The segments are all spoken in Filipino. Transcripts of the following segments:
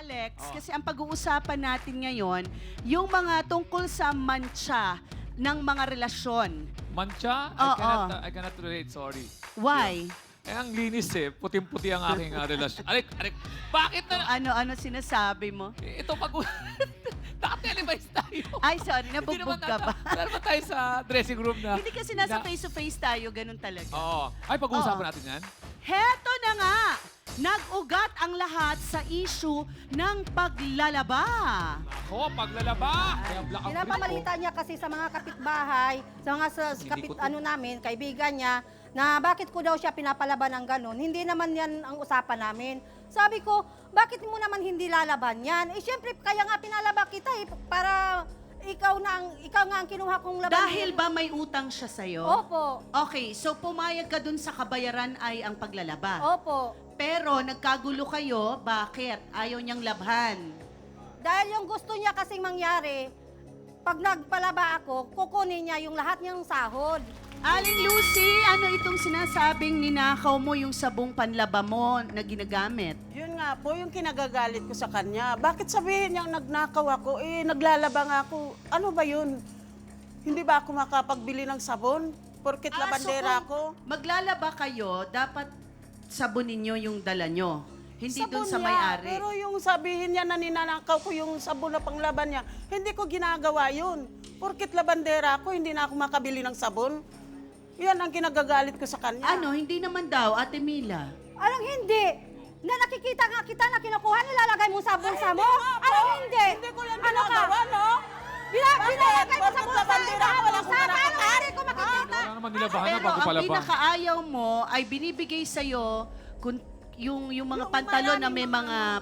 Alex, kasi ang pag-uusapan natin ngayon, yung mga tungkol sa mancha ng mga relasyon. Mancha? Oo. I cannot relate, sorry. Why? Eh, ang linis eh. Puting-puti ang aking relasyon. Arik! Bakit na? Ano sinasabi mo? Ito pag... Naka-televise tayo. Ay, sorry, Hindi nabugbog naman ka ba? Meron tayo sa dressing room na... Hindi kasi nasa face-to-face tayo, ganun talaga. Oo. Ay, pag-uusapan Oo. natin yan. Heto na nga! Nag-ugat ang lahat sa issue ng paglalaba. Ako, paglalaba. Kaya black ang Pinapamalita niya kasi sa mga kapitbahay, sa mga Hindi ko namin, kaibigan niya, na bakit ko daw siya pinapalaban ng ganun. Hindi naman yan ang usapan namin. Sabi ko, bakit mo naman hindi lalaban yan? Eh, syempre, kaya nga pinalaba kita eh, para ikaw nga ang kinuha kong laban. Dahil ba may utang siya sa'yo? Opo. Okay, so pumayag ka dun sa kabayaran ay ang paglalaba. Opo. Pero nagkagulo kayo, bakit? Ayaw niyang labhan. Dahil yung gusto niya kasing mangyari, pag nagpalaba ako, kukunin niya yung lahat niyang sahod. Aling Lucy, ano itong sinasabing ninakaw mo yung sabong panlaba mo na ginagamit? Yun nga po, yung kinagagalit ko sa kanya. Bakit sabihin niyang nagnakaw ako? Eh, naglalaba nga ako. Ano ba yun? Hindi ba ako makapagbili ng sabon? Porkit labandera so ako? kung maglalaba kayo, dapat sabunin nyo yung dala nyo. Hindi dun Sabon sa niya. may-ari. Pero yung sabihin niya na ninanakaw ko yung sabon na panglaban niya, hindi ko ginagawa yun. Porkit labandera ako, hindi na ako makabili ng sabon. Yan ang kinagagalit ko sa kanya. Ano, hindi naman daw, Ate Mila. Anong hindi? Na nakikita nga kita na kinukuha, nilalagay mo sa bulsa mo? Anong hindi? Hindi ko yan Ano ka? ginagawa, no? Nilalagay mo sa Porkit bulsa, labandera ako, wala akong bulsa, ginagawa. paano hindi ko makikita? Wala naman nilabahan na Pero bago ang palaba. pinakaayaw mo ay binibigay sa'yo yung mga pantalon na may mga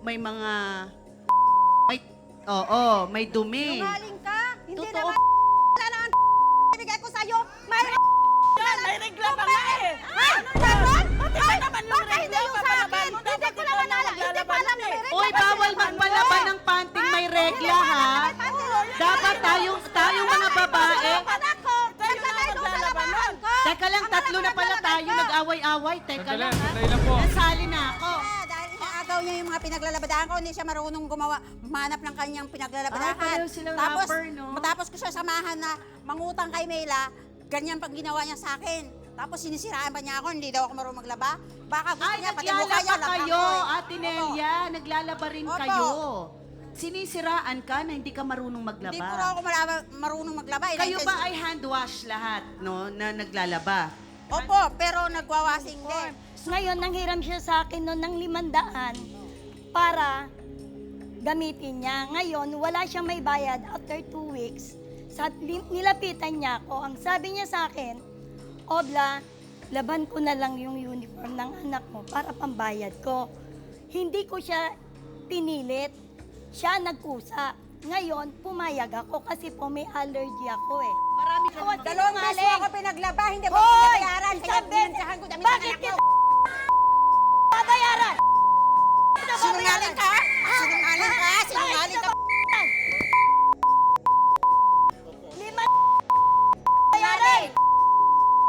may dumi. Sinungaling ka? Hindi Totoo. naman wala naman ibigay ko sa'yo. May Yan, may regla pa nga eh. Ha? Meron? Ay, naman yung Baka hindi regla, yung sa akin. papalaban mo, Hindi dapat ko ikaw naman na alam. Hindi ko maglalaban alam nun na may eh. regla. Uy, Bakit bawal naman magpalaba yun? ng panting may Ha? regla, Hindi ko ha? alam, may panty. Dapat tayong mga babae. Anak ko, naglagay doon sa labahan ko. Teka lang, tatlo na pala tayo nag-away-away. Teka Sandali, lang, ha? sandali lang po. Nasali na ako. Dahil inaagaw niya yung mga pinaglalabadahan ko, hindi siya marunong manap ng kanyang pinaglalabadahan. Ah, pareho silang tapos, rapper, no? Matapos ko siya samahan na mangutang kay Mela, ganyan pang ginawa niya sa akin. Tapos sinisiraan pa niya ako, hindi daw ako marunong maglaba. Baka gusto Ay, niya, pati mukha niya, naglalaba laba kayo, ko eh. Ate Nelia. Naglalaba rin Opo. kayo. Sinisiraan ka na hindi ka marunong Hindi ko raw maglaba. ako marunong maglaba. Kayo ba ay hand wash lahat, no, na naglalaba? Opo, pero nagwawasing din. Ngayon, nanghiram siya sa akin noon ng 500 para gamitin niya. Ngayon, wala siyang may bayad after 2 weeks. Nilapitan niya ako. Ang sabi niya sa akin, Obla, laban ko na lang yung uniform ng anak mo para pambayad ko. Hindi ko siya pinilit. Siya nagkusa. Ngayon, pumayag ako kasi po may allergy ako eh. Marami ka Ako, Dalawang beses sinungaling. ako pinaglaba, hindi ko Hoy! pinabayaran. Kaya Isang beses. binansahan ko damit ng Bakit anak kita ko.